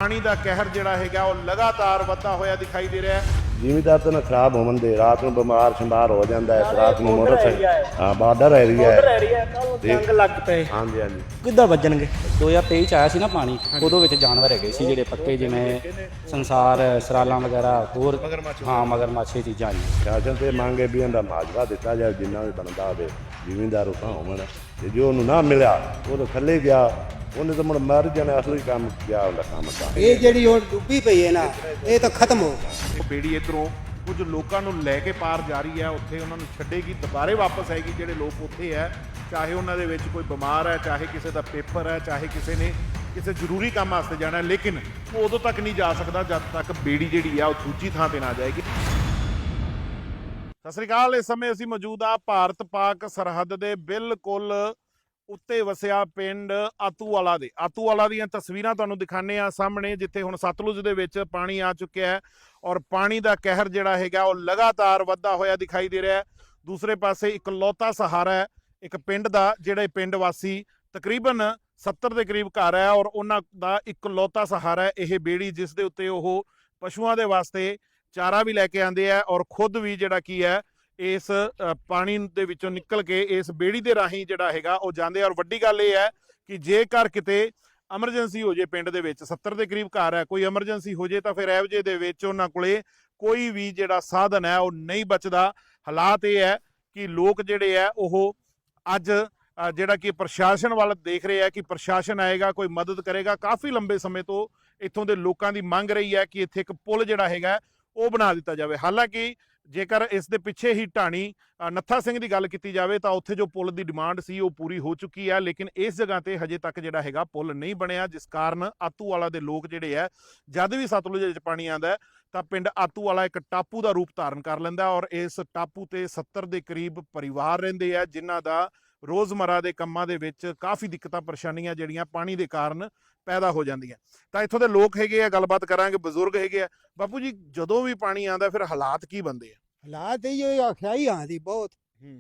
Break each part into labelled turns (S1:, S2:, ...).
S1: ਪਾਣੀ ਦਾ ਕਹਿਰ ਜਿਹੜਾ ਹੈਗਾ ਉਹ ਲਗਾਤਾਰ ਵੱਧਦਾ ਹੋਇਆ ਦਿਖਾਈ ਦੇ ਰਿਹਾ ਹੈ।
S2: ਜ਼ਿਮੀਦਾਰ ਤਾਂ ਨਾ ਖਰਾਬ ਹੋਣ ਦੇ ਰਾਤ ਨੂੰ ਬਿਮਾਰ ਸ਼ਿਮਾਰ ਹੋ ਜਾਂਦਾ ਹੈ। ਰਾਤ ਨੂੰ ਮੋਟਰਸਾਈਕਲ ਹਾਂ ਬਾਰਡਰ ਏਰੀਆ ਹੈ।
S3: ਜੰਗ ਲੱਗ ਪਏ
S2: ਹਾਂਜੀ ਹਾਂਜੀ
S3: ਕਿੱਦਾਂ ਵੱਜਣਗੇ। 2023 ਚ ਆਇਆ ਸੀ ਨਾ ਪਾਣੀ, ਉਦੋਂ ਵਿੱਚ ਜਾਨਵਰ ਹੈਗੇ ਸੀ ਜਿਹੜੇ ਪੱਕੇ, ਜਿਵੇਂ ਸੰਸਾਰ ਸਰਾਲਾਂ ਵਗੈਰਾ, ਹੋਰ ਹਾਂ ਮਗਰਮੱਛ ਇਹ ਚੀਜ਼ਾਂ ਆਈਆਂ।
S2: ਸ਼ਾਸਨ ਤੇ ਮੰਗੇ ਵੀ ਇਹਦਾ ਮਾਜਵਾ ਦਿੱਤਾ ਜਾਏ ਜਿੰਨਾ ਵੀ ਬਣਦਾ ਹੋਵੇ। ਜ਼ਿਮੀਦਾਰ ਉਹ ਹੋਣ ਤੇ ਜੋ ਉਹਨੂੰ ਨਾ ਮਿਲਿਆ ਉਹ ਤਾਂ ਥੱਲੇ ਗਿਆ, ਉਹਨੇ ਤਾਂ ਮੁੜ ਮਰ ਜਾਣਾ। ਅਸਲੀ ਕੰਮ ਗਿਆ ਉਹਦਾ ਕੰਮ ਤਾਂ
S4: ਇਹ ਜਿਹੜੀ ਹੁਣ ਡੁੱਬੀ ਪਈ ਹੈ ਨਾ, ਇਹ ਤਾਂ ਖਤਮ ਹੋ ਗਈ।
S1: ਉਹ ਬੇੜੀ ਇੱਧਰੋਂ ਕੁਝ ਲੋਕਾਂ ਨੂੰ ਲੈ ਕੇ ਪਾਰ ਜਾ ਰਹੀ ਹੈ, ਉੱਥੇ ਉਹਨਾਂ ਨੂੰ ਛੱਡੇਗੀ, ਦੁਬਾਰੇ ਵਾਪਸ ਆਏਗੀ। ਜਿਹੜੇ ਲੋਕ ਉੱਥੇ ਹੈ, ਚਾਹੇ ਉਹਨਾਂ ਦੇ ਵਿੱਚ ਕੋਈ ਬਿਮਾਰ ਹੈ, ਚਾਹੇ ਕਿਸੇ ਦਾ ਪੇਪਰ ਹੈ, ਚਾਹੇ ਕਿਸੇ ਨੇ ਕਿਸੇ ਜ਼ਰੂਰੀ ਕੰਮ ਵਾਸਤੇ ਜਾਣਾ, ਲੇਕਿਨ ਉਹ ਉਦੋਂ ਤੱਕ ਨਹੀਂ ਜਾ ਸਕਦਾ ਜਦ ਤੱਕ ਬੇੜੀ ਜਿਹੜੀ ਆ ਉਹ ਦੂਜੀ ਥਾਂ ਤੇ ਨਾ ਜਾਏਗੀ। ਸਤਿ ਸ੍ਰੀ ਅਕਾਲ। ਇਸ ਸਮੇਂ ਅਸੀਂ ਮੌਜੂਦ ਆ ਭਾਰਤ ਪਾਕ ਸਰਹੱਦ ਦੇ ਬਿਲਕੁਲ ਉੱਤੇ ਵਸਿਆ ਪਿੰਡ ਆਤੂਵਾਲਾ ਦੇ। ਆਤੂਵਾਲਾ ਦੀਆਂ ਤਸਵੀਰਾਂ ਤੁਹਾਨੂੰ ਦਿਖਾਣੇ ਆ ਸਾਹਮਣੇ, ਜਿੱਥੇ ਹੁਣ ਸਤਲੁਜ ਦੇ ਵਿੱਚ ਪਾਣੀ ਆ ਚੁੱਕਿਆ ਹੈ ਔਰ ਪਾਣੀ ਦਾ ਕਹਿਰ ਜਿਹੜਾ ਹੈਗਾ ਉਹ ਲਗਾਤਾਰ ਵੱਧਦਾ ਹੋਇਆ ਦਿਖਾਈ ਦੇ ਰਿਹਾ ਹੈ। ਦੂਸਰੇ ਪਾਸੇ ਇਕਲੌਤਾ ਸਹਾਰਾ ਹੈ ਇੱਕ ਪਿੰਡ ਦਾ, ਜਿਹੜੇ ਪਿੰਡ ਵਾਸੀ ਤਕਰੀਬਨ 70 ਦੇ ਕਰੀਬ ਘਰ ਹੈ ਔਰ ਉਹਨਾਂ ਦਾ ਇਕਲੌਤਾ ਸਹਾਰਾ ਹੈ ਇਹ ਬੇੜੀ, ਜਿਸ ਦੇ ਉੱਤੇ ਉਹ ਪਸ਼ੂਆਂ ਦੇ ਵਾਸਤੇ ਚਾਰਾ ਵੀ ਲੈ ਕੇ ਆਉਂਦੇ ਆ ਔਰ ਖੁਦ ਵੀ ਜਿਹੜਾ ਕੀ ਹੈ ਇਸ ਪਾਣੀ ਦੇ ਵਿੱਚੋਂ ਨਿਕਲ ਕੇ ਇਸ ਬੇੜੀ ਦੇ ਰਾਹੀਂ ਜਿਹੜਾ ਹੈਗਾ ਉਹ ਜਾਂਦੇ। ਔਰ ਵੱਡੀ ਗੱਲ ਇਹ ਹੈ ਕਿ ਜੇਕਰ ਕਿਤੇ ਐਮਰਜੈਂਸੀ ਹੋ ਜੇ, ਪਿੰਡ ਦੇ ਵਿੱਚ 70 ਦੇ ਕਰੀਬ ਘਰ ਹੈ, ਕੋਈ ਐਮਰਜੈਂਸੀ ਹੋ ਜੇ ਤਾਂ ਫਿਰ ਐਵਜੇ ਦੇ ਵਿੱਚ ਉਹਨਾਂ ਕੋਲੇ ਕੋਈ ਵੀ ਜਿਹੜਾ ਸਾਧਨ ਹੈ ਉਹ ਨਹੀਂ ਬਚਦਾ। ਹਾਲਾਤ ਇਹ ਹੈ ਕਿ ਲੋਕ ਜਿਹੜੇ ਹੈ ਉਹ ਅੱਜ ਜਿਹੜਾ ਕਿ ਪ੍ਰਸ਼ਾਸਨ ਵੱਲ ਦੇਖ ਰਹੇ ਹੈ ਕਿ ਪ੍ਰਸ਼ਾਸਨ ਆਏਗਾ, ਕੋਈ ਮਦਦ ਕਰੇਗਾ। ਕਾਫੀ ਲੰਬੇ ਸਮੇਂ ਤੋਂ ਇੱਥੋਂ ਦੇ ਲੋਕਾਂ ਦੀ ਮੰਗ ਰਹੀ ਹੈ ਕਿ ਇੱਥੇ ਇੱਕ ਪੁਲ ਜਿਹੜਾ ਹੈਗਾ ਉਹ ਬਣਾ ਦਿੱਤਾ ਜਾਵੇ। ਹਾਲਾਂਕਿ ਜੇਕਰ ਇਸ ਦੇ ਪਿੱਛੇ ਹੀ ਢਾਣੀ ਨੱਥਾ ਸਿੰਘ ਦੀ ਗੱਲ ਕੀਤੀ ਜਾਵੇ ਤਾਂ ਉੱਥੇ ਜੋ ਪੁਲ ਦੀ ਡਿਮਾਂਡ ਸੀ ਉਹ ਪੂਰੀ ਹੋ ਚੁੱਕੀ ਹੈ, ਲੇਕਿਨ ਇਸ ਜਗ੍ਹਾ ਤੇ ਹਜੇ ਤੱਕ ਜਿਹੜਾ ਹੈਗਾ ਪੁਲ ਨਹੀਂ ਬਣਿਆ, ਜਿਸ ਕਾਰਨ ਆਤੂਵਾਲਾ ਦੇ ਲੋਕ ਜਿਹੜੇ ਹੈ ਜਦ ਵੀ ਸਤਲੁਜ ਵਿੱਚ ਪਾਣੀ ਆਉਂਦਾ ਤਾਂ ਪਿੰਡ ਆਤੂਵਾਲਾ ਇੱਕ ਟਾਪੂ ਦਾ ਰੂਪ ਧਾਰਨ ਕਰ ਲੈਂਦਾ ਔਰ ਇਸ ਟਾਪੂ ਤੇ 70 ਦੇ ਕਰੀਬ ਪਰਿਵਾਰ ਰਹਿੰਦੇ ਆ, ਜਿਨ੍ਹਾਂ ਦਾ ਰੋਜ਼ਮਰਾ ਦੇ ਕੰਮਾਂ ਦੇ ਵਿੱਚ ਕਾਫੀ ਦਿੱਕਤਾਂ ਪਰੇਸ਼ਾਨੀਆਂ ਜਿਹੜੀਆਂ ਪਾਣੀ ਦੇ ਕਾਰਨ ਪੈਦਾ ਹੋ ਜਾਂਦੀਆਂ। ਤਾਂ ਇੱਥੋਂ ਦੇ ਲੋਕ ਹੈਗੇ ਆ, ਗੱਲਬਾਤ ਕਰਾਂਗੇ, ਬਜ਼ੁਰਗ ਹੈਗੇ ਆ। ਬਾਪੂ ਜੀ, ਜਦੋਂ ਵੀ ਪਾਣੀ ਆਉਂਦਾ ਫਿਰ ਹਾਲਾਤ ਕੀ ਬਣਦੇ ਆ?
S4: ਹਾਲਾਤ ਇਹ ਆਖਿਆ ਹੀ ਆਂਦੀ ਬਹੁਤ।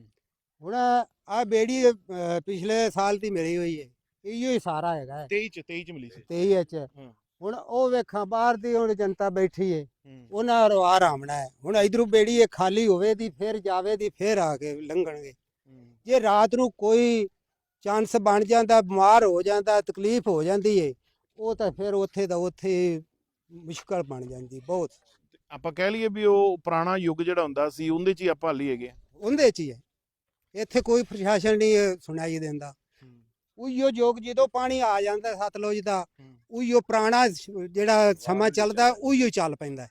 S4: ਹੁਣ ਆ ਬੇੜੀ ਪਿਛਲੇ ਸਾਲ ਦੀ ਮਿਲੀ ਹੋਈ ਹੈ, ਇਹੋ ਹੀ ਸਾਰਾ ਹੈਗਾ
S1: 23 ਚ ਮਿਲੀ ਸੀ।
S4: 23 ਚ ਹੁਣ ਉਹ ਵੇਖਾਂ ਬਾਹਰ ਦੀ ਹੁਣ ਜਨਤਾ ਬੈਠੀ ਹੈ, ਉਹਨਾਂ ਰਵਾ ਰਾਮਣਾ ਹੈ। ਹੁਣ ਇਧਰੋਂ ਬੇੜੀ ਇਹ ਖਾਲੀ ਹੋਵੇ ਦੀ ਫਿਰ ਜਾਵੇ ਦੀ ਫਿਰ ਆ ਕੇ ਲੰਘਣਗੇ। ਜੇ ਰਾਤ ਨੂੰ ਕੋਈ ਚਾਂਸ ਬਣ ਜਾਂਦਾ, ਬਿਮਾਰ ਹੋ ਜਾਂਦਾ, ਤਕਲੀਫ ਹੋ ਜਾਂਦੀ ਹੈ, ਉਹ ਤਾਂ ਫਿਰ ਉੱਥੇ ਦਾ ਉੱਥੇ ਮੁਸ਼ਕਲ ਬਣ ਜਾਂਦੀ ਬਹੁਤ।
S1: ਆਪਾਂ ਕਹਿ ਲਈਏ ਵੀ ਉਹ ਪੁਰਾਣਾ ਯੁੱਗ ਜਿਹੜਾ ਹੁੰਦਾ ਸੀ ਉਹਦੇ 'ਚ ਹੀ ਆਪਾਂ ਹਾਲੀ ਹੈਗੇ।
S4: ਉਹਦੇ 'ਚ ਹੀ ਹੈ, ਇੱਥੇ ਕੋਈ ਪ੍ਰਸ਼ਾਸਨ ਨਹੀਂ ਸੁਣਾਈ ਦਿੰਦਾ। ਉਹੀਓ ਯੁੱਗ ਜਦੋਂ ਪਾਣੀ ਆ ਜਾਂਦਾ ਸਤਲੁਜ ਦਾ, ਉਹੀਓ ਪੁਰਾਣਾ ਜਿਹੜਾ ਸਮਾਂ ਚੱਲਦਾ ਉਹੀਓ ਚੱਲ ਪੈਂਦਾ।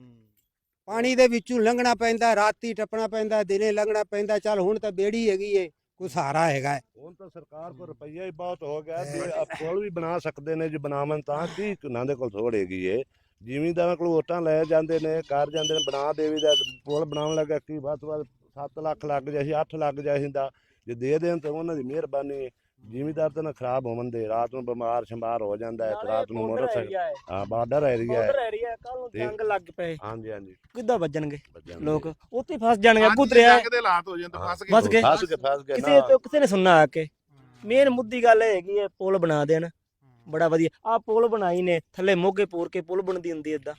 S4: ਪਾਣੀ ਦੇ ਵਿੱਚੋਂ ਲੰਘਣਾ ਪੈਂਦਾ, ਰਾਤੀ ਟੱਪਣਾ ਪੈਂਦਾ, ਦਿਨੇ ਲੰਘਣਾ ਪੈਂਦਾ। ਚੱਲ ਹੁਣ ਤਾਂ ਬੇੜੀ ਹੈਗੀ ਏ, ਕੋਈ ਸਹਾਰਾ ਹੈਗਾ।
S2: ਹੁਣ ਤਾਂ ਸਰਕਾਰ ਕੋਲ ਰੁਪਈਆ ਹੀ ਬਹੁਤ ਹੋ ਗਿਆ ਵੀ ਪੁਲ ਵੀ ਬਣਾ ਸਕਦੇ ਨੇ, ਜੇ ਬਣਾਵਣ ਤਾਂ ਕੀ ਉਹਨਾਂ ਦੇ ਕੋਲ ਥੋੜ ਹੈਗੀ ਏ। ਜ਼ਿਮੀਂਦਾਰਾਂ ਕੋਲ ਵੋਟਾਂ ਲੈ ਜਾਂਦੇ ਨੇ, ਕਰ ਜਾਂਦੇ ਨੇ, ਬਣਾ ਦੇਵੀ ਦਾ ਪੁਲ ਬਣਾਉਣ ਲੱਗਾ ਕੀ ਵੱਧ ਤੋਂ ਵੱਧ 7 ਲੱਖ ਲੱਗ ਜਾਏ ਸੀ, 8 ਲੱਗ ਜਾਏ ਹੁੰਦਾ। ਜੇ ਦੇ ਦੇਣ ਤਾਂ ਉਹਨਾਂ ਦੀ ਮਿਹਰਬਾਨੀ। ਜ਼ਿਮੀਂਦਾਰ ਤਾਂ ਨਾ ਖਰਾਬ ਹੋਣ ਦੇ, ਰਾਤ ਨੂੰ ਬਿਮਾਰ ਸ਼ਿਮਾਰ ਹੋ ਜਾਂਦਾ ਹੈ। ਰਾਤ ਨੂੰ ਮੋਟਰਸਾਈਕਲ ਹਾਂ ਬਾਰਡਰ ਏਰੀਆ ਹੈ।
S3: ਕੱਲ ਨੂੰ ਜੰਗ ਲੱਗ ਪਏ
S2: ਹਾਂਜੀ ਹਾਂਜੀ
S3: ਕਿੱਦਾਂ ਵੱਜਣਗੇ ਲੋਕ, ਉੱਥੇ ਫਸ ਜਾਣਗੇ। ਅੱਗੂ ਦਰਿਆ
S1: ਦੇ ਹਾਲਾਤ ਹੋ ਜਾਂਦੇ, ਫਸ
S3: ਫਸ ਗਏ।
S2: ਗਏ
S3: ਕਿਸੇ ਨੇ ਸੁਣਨਾ ਆ ਕੇ। ਮੇਨ ਮੁੱਦੀ ਗੱਲ ਇਹ ਹੈਗੀ ਹੈ ਪੁਲ ਬਣਾ ਦੇਣ, ਬੜਾ ਵਧੀਆ। ਆ ਪੁਲ ਬਣਾਈ ਨੇ, ਥੱਲੇ ਮੋਗੇ ਪੂਰ ਕੇ ਪੁਲ ਬਣਦੀ ਹੁੰਦੀ ਏਦਾਂ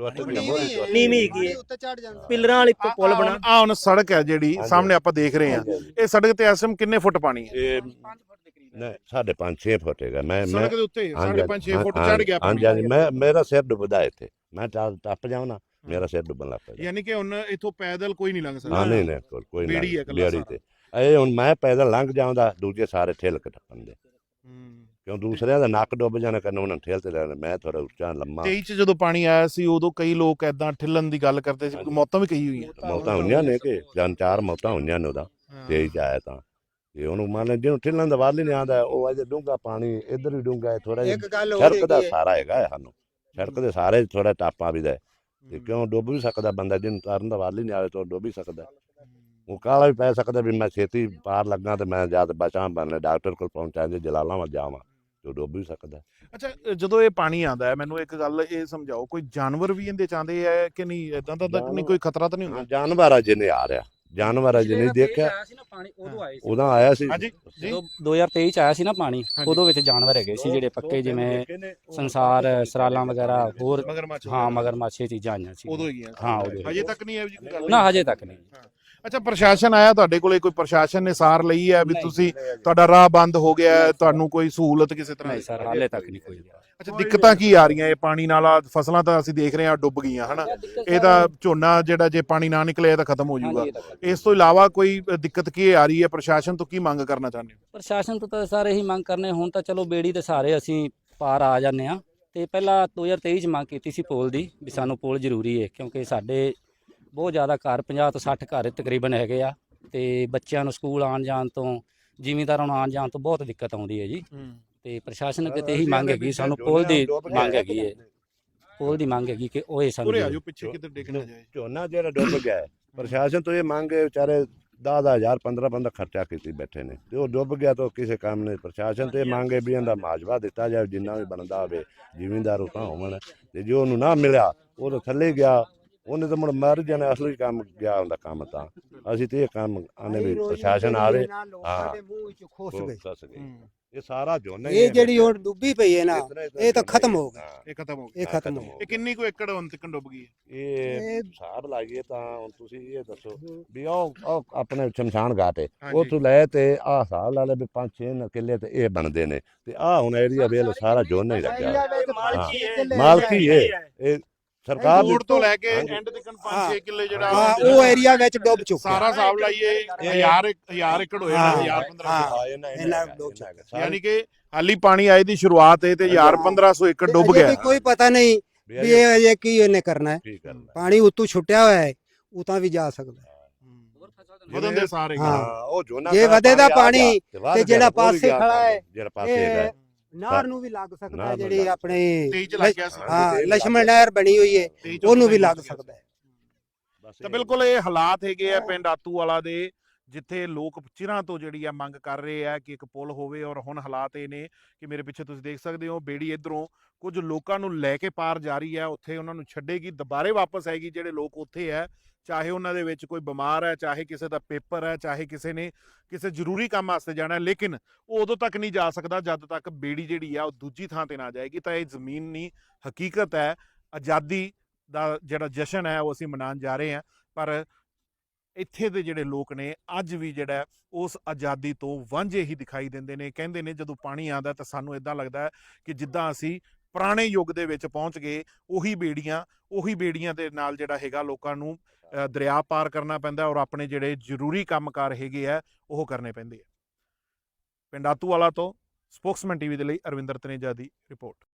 S3: ਨੀਵੀਂ ਹੈਗੀ ਹੈ, ਪਿੱਲਰਾਂ ਵਾਲੀ ਪੁਲ ਬਣਾ।
S1: ਆ ਹੁਣ ਸੜਕ ਹੈ ਜਿਹੜੀ ਸਾਹਮਣੇ ਆਪਾਂ ਦੇਖ ਰਹੇ ਹਾਂ, ਇਹ ਸੜਕ ਤੇ ਇਸ ਟਾਈਮ ਕਿੰਨੇ ਫੁੱਟ ਪਾਣੀ ਹੈ?
S2: ਇਹ ਨਹੀਂ 5.5-6 ਫੁੱਟ ਹੈਗਾ। ਮੈਂ
S1: ਸੜਕ ਦੇ ਉੱਤੇ 5.5-6 ਫੁੱਟ ਚੜ ਗਿਆ ਪਾਣੀ।
S2: ਹਾਂਜੀ ਮੇਰਾ ਸਿਰ ਡੁੱਬਦਾ ਇੱਥੇ, ਮੈਂ ਟੱਪ ਜਾਉਂ ਨਾ ਮੇਰਾ ਸਿਰ ਡੁੱਬਣ ਲੱਗ ਪਿਆ।
S1: ਯਾਨੀ ਕਿ ਹੁਣ ਇੱਥੋਂ ਪੈਦਲ ਕੋਈ ਨਹੀਂ ਲੰਘ ਸਕਦਾ।
S2: ਹਾਂ ਨਹੀਂ ਕੋਈ
S1: ਬੇੜੀ ਹੈ
S2: ਬੇੜੀ ਤੇ ਇਹ ਹੁਣ ਮੈਂ ਪੈਦਲ ਲੰਘ ਜਾਉਂਦਾ, ਦੂਜੇ ਸਾਰੇ ਠੇਲ ਕੇ ਟੱਪਣ ਦੇ, ਕਿਉਂ ਦੂਸਰਿਆਂ ਦਾ ਨੱਕ ਡੁੱਬ ਜਾਣਾ ਕਰਨ ਉਹਨਾਂ ਠੇਲ ਤੇ ਲੈਣਾ। ਮੈਂ ਥੋੜਾ ਉੱਚਾ ਲੰਮਾ।
S1: 23 ਚ ਜਦੋਂ ਪਾਣੀ ਆਇਆ ਸੀ ਉਦੋਂ ਕਈ ਲੋਕ ਐਦਾਂ ਠਿੱਲਣ ਦੀ ਗੱਲ ਕਰਦੇ ਸੀ, ਮੌਤਾਂ ਵੀ ਕਈ ਹੋਈਆਂ।
S2: ਮੌਤਾਂ ਹੋਈਆਂ ਨੇ ਕਿ ਜਨ 4 ਮੌਤਾਂ ਹੋਈਆਂ ਨੇ ਉਹਦਾ 23 ਚ ਆਇਆ ਤਾਂ। ਤੇ ਉਹਨੂੰ ਮੰਨ ਲੈ ਜਿਹਨੂੰ ਠਿੱਲਣ ਦਾ ਵੱਲ ਹੀ ਨਹੀਂ ਆਉਂਦਾ, ਉਹ ਅਜੇ ਡੂੰਘਾ ਪਾਣੀ ਇੱਧਰ ਵੀ ਡੂੰਘਾ ਹੈ ਥੋੜਾ ਜਿਹਾ। ਸੜਕ ਦਾ ਸਾਰਾ ਹੈਗਾ ਸਾਨੂੰ, ਸੜਕ ਦੇ ਸਾਰੇ ਥੋੜਾ ਟਾਪਾ ਵੀ ਦਾ ਤੇ ਕਿਉਂ ਡੁੱਬ ਵੀ ਸਕਦਾ ਬੰਦਾ, ਜਿਹਨੂੰ ਤਰਨ ਦਾ ਵੱਲ ਹੀ ਨਹੀਂ ਆਵੇ ਤਾਂ ਡੁੱਬ ਵੀ ਸਕਦਾ। ਉਹ ਕਾਲਾ ਵੀ ਪੈ ਸਕਦਾ ਵੀ ਮੈਂ ਛੇਤੀ ਪਾਰ ਲੱਗਾ ਤੇ ਮੈਂ ਜਦ ਬਚਾਂ ਬਣ ਡਾਕਟਰ ਕੋਲ ਪਹੁੰਚਾਂ, ਜੇ ਜਲਾਲਾਬਾਦ ਜਾਵਾਂ ਤੇ ਡੁੱਬ ਵੀ ਸਕਦਾ।
S1: ਅੱਛਾ, ਜਦੋਂ ਇਹ ਪਾਣੀ ਆਉਂਦਾ ਹੈ ਮੈਨੂੰ ਇੱਕ ਗੱਲ ਇਹ ਸਮਝਾਓ, ਕੋਈ ਜਾਨਵਰ ਵੀ ਇਹਦੇ ਚ ਆਉਂਦੇ ਆ ਕਿ ਨਹੀਂ? ਏਦਾਂ ਦਾ ਨਹੀਂ, ਕੋਈ ਖਤਰਾ ਤਾਂ ਨਹੀਂ ਹੁੰਦਾ?
S2: ਜਾਨਵਰ ਆ ਜਿਹਨੇ ਆ ਰਿਹਾ, ਜਾਨਵਰ ਅਜੇ ਨਹੀਂ ਦੇਖਿਆ।
S5: ਆਇਆ ਸੀ ਨਾ ਪਾਣੀ ਉਦੋਂ ਆਏ ਸੀ।
S2: ਉਦੋਂ ਆਇਆ ਸੀ
S1: ਹਾਂਜੀ ਜੀ।
S5: ਜਦੋਂ 2023 ਚ ਆਇਆ ਸੀ ਨਾ ਪਾਣੀ,
S1: ਹਾਂਜੀ।
S5: ਉਦੋਂ ਵਿੱਚ ਜਾਨਵਰ ਹੈਗੇ ਸੀ ਜਿਹੜੇ ਪੱਕੇ, ਜਿਵੇਂ ਸੰਸਾਰ, ਸਰਾਲਾਂ ਵਗੈਰਾ, ਹੋਰ
S1: ਮਗਰਮੱਛ
S5: ਹਾਂ ਮਗਰਮੱਛ, ਇਹ ਚੀਜ਼ਾਂ ਆਈਆਂ ਸੀ
S1: ਉਦੋਂ ਹੀ ਗਿਆ
S5: ਹਾਂ ਉਦੋਂ
S1: ਹਜੇ ਤੱਕ ਨਹੀਂ ਹੈ ਜੀ ਕੋਈ ਗੱਲ
S5: ਨਾ, ਹਜੇ ਤੱਕ ਨਹੀਂ।
S1: ਅੱਛਾ, ਪ੍ਰਸ਼ਾਸਨ ਆਇਆ ਤੁਹਾਡੇ ਕੋਲੇ? ਕੋਈ ਪ੍ਰਸ਼ਾਸਨ ਨੇ ਸਾਰ ਲਈ ਹੈ ਵੀ
S5: ਨਹੀਂ।
S1: ਤੁਸੀਂ ਤੁਹਾਡਾ ਰਾਹ ਬੰਦ ਹੋ ਗਿਆ ਹੈ, ਤੁਹਾਨੂੰ ਕੋਈ ਸਹੂਲਤ ਕਿਸੇ ਤਰ੍ਹਾਂ
S5: ਨਹੀਂ
S1: ਦੀ?
S5: ਸਰ, ਹਾਲੇ ਤੱਕ ਨਹੀਂ ਕੋਈ।
S1: ਅੱਛਾ, ਦਿੱਕਤਾਂ ਕੀ ਆ ਰਹੀਆਂ ਇਹ ਪਾਣੀ ਨਾਲ? ਆਹ ਫਸਲਾਂ ਤਾਂ ਅਸੀਂ ਦੇਖ ਰਹੇ ਹਾਂ ਡੁੱਬ ਗਈਆਂ ਹਨਾ, ਇਹ ਤਾਂ ਝੋਨਾ ਜਿਹੜਾ ਜੇ ਪਾਣੀ ਨਾ ਨਿਕਲੇ ਇਹ ਤਾਂ ਖਤਮ ਹੋ ਜਾਊਗਾ। ਇਸ ਤੋਂ ਇਲਾਵਾ ਕੋਈ ਦਿੱਕਤ ਕੀ ਆ ਰਹੀ ਹੈ? ਪ੍ਰਸ਼ਾਸਨ ਤੋਂ ਕੀ ਮੰਗ ਕਰਨਾ ਚਾਹੁੰਦੇ ਹੋ?
S5: ਪ੍ਰਸ਼ਾਸਨ ਤੋਂ ਤਾਂ ਸਾਰੇ ਹੀ ਮੰਗ ਕਰਨੇ, ਹੁਣ ਤਾਂ ਚਲੋ ਬੇੜੀ ਦੇ ਸਾਰੇ ਅਸੀਂ ਪਾਰ ਆ ਜਾਂਦੇ ਆ, ਤੇ ਪਹਿਲਾਂ 2023 ਚ ਮੰਗ ਕੀਤੀ ਸੀ ਪੋਲ ਦੀ, ਵੀ ਸਾਨੂੰ ਪੋਲ ਜ਼ਰੂਰੀ ਹੈ, ਕਿਉਂਕਿ ਸਾਡੇ ਬਹੁਤ ਜ਼ਿਆਦਾ ਘਰ 50 ਤੋਂ 60 ਘਰ ਤਕਰੀਬਨ ਹੈਗੇ ਆ, ਤੇ ਬੱਚਿਆਂ ਨੂੰ ਸਕੂਲ ਆਉਣ ਜਾਣ ਤੋਂ, ਜ਼ਿਮੀਂਦਾਰਾਂ ਨੂੰ ਆਉਣ ਜਾਣ ਤੋਂ ਬਹੁਤ ਦਿੱਕਤ ਆਉਂਦੀ ਹੈ ਜੀ। ਤੇ ਪ੍ਰਸ਼ਾਸਨ ਅੱਗੇ ਤੇ ਇਹੀ ਮੰਗ ਹੈਗੀ, ਸਾਨੂੰ ਪੋਲ ਦੀ ਮੰਗ ਹੈਗੀ ਹੈ, ਪੋਲ ਦੀ ਮੰਗ ਹੈਗੀ ਕਿ ਉਹ ਇਹ ਸਾਨੂੰ
S1: ਉਰੇ ਆ ਜਾਓ ਪਿੱਛੇ, ਕਿਤੇ ਡਿੱਗ ਨਾ ਜਾਏ।
S2: ਝੋਨਾ ਜਿਹੜਾ ਡੁੱਬ ਗਿਆ ਹੈ, ਪ੍ਰਸ਼ਾਸਨ ਤੋਂ ਇਹ ਮੰਗ ਹੈ, ਵਿਚਾਰੇ 10,000 15 ਖਰਚਾ ਕੀਤੀ ਬੈਠੇ ਨੇ, ਤੇ ਉਹ ਡੁੱਬ ਗਿਆ ਤਾਂ ਕਿਸੇ ਕੰਮ ਨਹੀਂ। ਪ੍ਰਸ਼ਾਸਨ ਤੇ ਇਹ ਮੰਗ ਹੈ ਵੀ ਇਹਦਾ ਮੁਆਵਜ਼ਾ ਦਿੱਤਾ ਜਾਵੇ, ਜਿੰਨਾ ਵੀ ਬਣਦਾ ਹੋਵੇ, ਜ਼ਿਮੀਂਦਾਰ ਉਹ ਤਾਂ ਹੋਵਣ, ਤੇ ਜੋ ਉਹਨੂੰ ਨਾ ਮਿਲਿਆ ਉਹ ਤਾਂ ਥੱਲੇ ਗਿਆ, ਉਹਨੇ ਤਾਂ ਮੁੜ ਮਰ ਜਾਣਾ। ਅਸਲੀ ਕੰਮ ਗਿਆ ਹੁੰਦਾ ਕੰਮ, ਤਾਂ ਅਸੀਂ ਤੇ ਇਹ ਕੰਮ ਆਨੇ ਵੀ ਪ੍ਰਸ਼ਾਸਨ ਆਵੇ। ਹਾਂ,
S4: ਖੁਸ਼ ਗਏ।
S2: ਖੁਸ਼ ਗਏ। ਇਹ ਸਾਰਾ ਝੋਨਾ ਹੀ
S4: ਇਹ ਜਿਹੜੀ ਹੁਣ ਡੁੱਬੀ ਪਈ ਹੈ ਨਾ, ਇਹ ਤਾਂ ਖਤਮ ਹੋ ਗਈ।
S1: ਇਹ ਖਤਮ ਹੋ
S4: ਇਹ
S1: ਗਿਆ।
S4: ਖਤਮ ਹੋ ਗਈ।
S1: ਇਹ ਕਿੰਨੀ ਕੁ ਏਕੜ ਹੁਣ ਤੱਕ ਡੁੱਬ ਗਈ ਹੈ?
S2: ਇਹ ਹਿਸਾਬ ਲਾਈਏ ਤਾਂ ਹੁਣ ਤੁਸੀਂ ਇਹ ਦੱਸੋ ਵੀ ਉਹ ਆਪਣੇ ਸ਼ਮਸ਼ਾਨ ਘਾਟ ਹੈ,
S1: ਹਾਂਜੀ।
S2: ਉੱਥੋਂ ਲੈ ਤੇ ਆਹ ਹਿਸਾਬ ਲਾ ਲੈ ਵੀ 5-6 ਕਿੱਲੇ ਤੇ ਇਹ ਬਣਦੇ ਨੇ, ਤੇ ਆਹ ਹੁਣ ਏਰੀਆ ਵੇਲ ਸਾਰਾ ਝੋਨਾ ਹੀ ਲੱਗਿਆ। ਮਾਲਕੀ ਹੈ ਇਹ ਸਰਕਾਰ ਦੀ।
S1: ਕੋਟ ਤੋਂ ਲੈ ਕੇ
S2: ਹਾਂਜੀ।
S1: ਐਂਡ ਤੱਕ 5-6 ਕਿੱਲੇ ਜਿਹੜਾ
S4: ਹਾਂ, ਉਹ ਏਰੀਆ ਵਿੱਚ ਡੁੱਬ ਚੁੱਕਾ।
S1: ਸਾਰਾ ਹਿਸਾਬ ਲਾਈਏ 1000 ਏਕੜ ਹੋਇਆ, 1000-1500।
S2: ਹਾਂ, ਇਹਨਾਂ ਡੁੱਬ ਚੁੱਕਾ।
S1: ਯਾਨੀ ਕਿ ਹਾਲੀ ਪਾਣੀ ਆਏ ਦੀ ਸ਼ੁਰੂਆਤ ਹੈ ਤੇ 1000-1500 ਏਕੜ ਡੁੱਬ
S4: ਅਜੇ
S1: ਗਿਆ।
S4: ਵੀ ਕੋਈ ਪਤਾ ਨਹੀਂ ਵੀ ਇਹ ਅਜੇ ਕੀ ਇਹਨੇ ਕਰਨਾ ਹੈ।
S2: ਕੀ ਕਰਨਾ?
S4: ਪਾਣੀ ਉੱਤੋਂ ਛੁੱਟਿਆ ਹੋਇਆ ਹੈ, ਉਤਾਂ ਵੀ ਜਾ ਸਕਦਾ ਹੈ।
S1: ਵਧਣ ਦੇ ਸਾਰੇ
S4: ਹਾਂ।
S2: ਉਹ ਝੋਨਾ
S4: ਜੇ
S2: ਸਾਰਾ
S4: ਵਧੇ ਦਾ
S2: ਆ ਗਿਆ,
S4: ਪਾਣੀ
S2: ਵੱਧ
S4: ਤੇ ਜਿਹੜਾ
S2: ਗਿਆ, ਉਹ ਵੀ
S4: ਪਾਸੇ
S2: ਗਿਆ
S4: ਖੜਾ ਹੈ,
S2: ਜਿਹੜਾ ਪਾਸੇ ਹੈਗਾ
S4: ਇਹ ਨਹਿਰ ਨੂੰ ਵੀ ਲੱਗ ਸਕਦਾ ਹੈ,
S2: ਨਹਿਰ ਨੂੰ
S4: ਜਿਹੜੀ
S2: ਲੱਗ
S4: ਆਪਣੇ
S1: 23 ਚ ਲੱਗ ਗਿਆ ਸੀ।
S4: ਹਾਂ ਲక్ష్మణ ਨਹਿਰ ਬਣੀ ਹੋਈ ਹੈ,
S1: 23 ਚ
S4: ਉਹਨੂੰ ਵੀ
S1: ਲੱਗ
S4: ਲੱਗ
S1: ਗਿਆ ਸੀ।
S4: ਸਕਦਾ ਹੈ।
S2: ਬਸ
S1: ਤਾਂ ਬਿਲਕੁਲ ਇਹ ਹਾਲਾਤ ਹੈਗੇ ਆ ਪਿੰਡ ਆਤੂ ਵਾਲਾ ਦੇ, ਜਿੱਥੇ ਲੋਕ ਚਿਰਾਂ ਤੋਂ ਜਿਹੜੀ ਆ ਮੰਗ ਕਰ ਰਹੇ ਆ ਕਿ ਇੱਕ ਪੁਲ ਹੋਵੇ। ਔਰ ਹੁਣ ਹਾਲਾਤ ਇਹ ਨੇ ਕਿ ਮੇਰੇ ਪਿੱਛੇ ਤੁਸੀਂ ਦੇਖ ਸਕਦੇ ਹੋ, ਬੇੜੀ ਇਧਰੋਂ ਕੁਝ ਲੋਕਾਂ ਨੂੰ ਲੈ ਕੇ ਪਾਰ ਜਾ ਰਹੀ ਹੈ, ਉੱਥੇ ਉਹਨਾਂ ਨੂੰ ਛੱਡੇਗੀ, ਦੁਬਾਰੇ ਵਾਪਸ ਆਏਗੀ। ਜਿਹੜੇ ਲੋਕ ਉੱਥੇ ਹੈ, ਚਾਹੇ ਉਹਨਾਂ ਦੇ ਵਿੱਚ ਕੋਈ ਬਿਮਾਰ ਹੈ, ਚਾਹੇ ਕਿਸੇ ਦਾ ਪੇਪਰ ਹੈ, ਚਾਹੇ ਕਿਸੇ ਨੇ ਕਿਸੇ ਜ਼ਰੂਰੀ ਕੰਮ ਵਾਸਤੇ ਜਾਣਾ, ਲੇਕਿਨ ਉਹ ਉਦੋਂ ਤੱਕ ਨਹੀਂ ਜਾ ਸਕਦਾ ਜਦ ਤੱਕ ਬੇੜੀ ਜਿਹੜੀ ਆ ਉਹ ਦੂਜੀ ਥਾਂ ਤੇ ਨਾ ਜਾਏਗੀ। ਤਾਂ ਇਹ ਜ਼ਮੀਨੀ ਹਕੀਕਤ ਹੈ। ਆਜ਼ਾਦੀ ਦਾ ਜਿਹੜਾ ਜਸ਼ਨ ਹੈ ਉਹ ਅਸੀਂ ਮਨਾਉਣ ਜਾ ਰਹੇ ਹਾਂ, ਪਰ ਇੱਥੇ ਦੇ ਜਿਹੜੇ ਲੋਕ ਨੇ ਅੱਜ ਵੀ ਜਿਹੜਾ ਉਸ ਆਜ਼ਾਦੀ ਤੋਂ ਵਾਂਝੇ ਹੀ ਦਿਖਾਈ ਦਿੰਦੇ ਨੇ। ਕਹਿੰਦੇ ਨੇ ਜਦੋਂ ਪਾਣੀ ਆਉਂਦਾ ਤਾਂ ਸਾਨੂੰ ਇਦਾਂ ਲੱਗਦਾ ਕਿ ਜਿੱਦਾਂ ਅਸੀਂ ਪੁਰਾਣੇ ਯੁੱਗ ਦੇ ਵਿੱਚ ਪਹੁੰਚ ਗਏ। ਉਹੀ ਬੇੜੀਆਂ ਦੇ ਨਾਲ ਜਿਹੜਾ ਹੈਗਾ ਲੋਕਾਂ ਨੂੰ ਦਰਿਆ ਪਾਰ ਕਰਨਾ ਪੈਂਦਾ, ਔਰ ਆਪਣੇ ਜਿਹੜੇ ਜ਼ਰੂਰੀ ਕੰਮਕਾਰ ਹੈਗੇ ਆ ਉਹ ਕਰਨੇ ਪੈਂਦੇ ਆ। ਪਿੰਡ ਆਤੂ ਵਾਲਾ ਤੋਂ ਸਪੋਕਸਮੈਨ ਟੀਵੀ ਦੇ ਲਈ ਅਰਵਿੰਦਰ ਤਨੇਜਾ ਦੀ ਰਿਪੋਰਟ।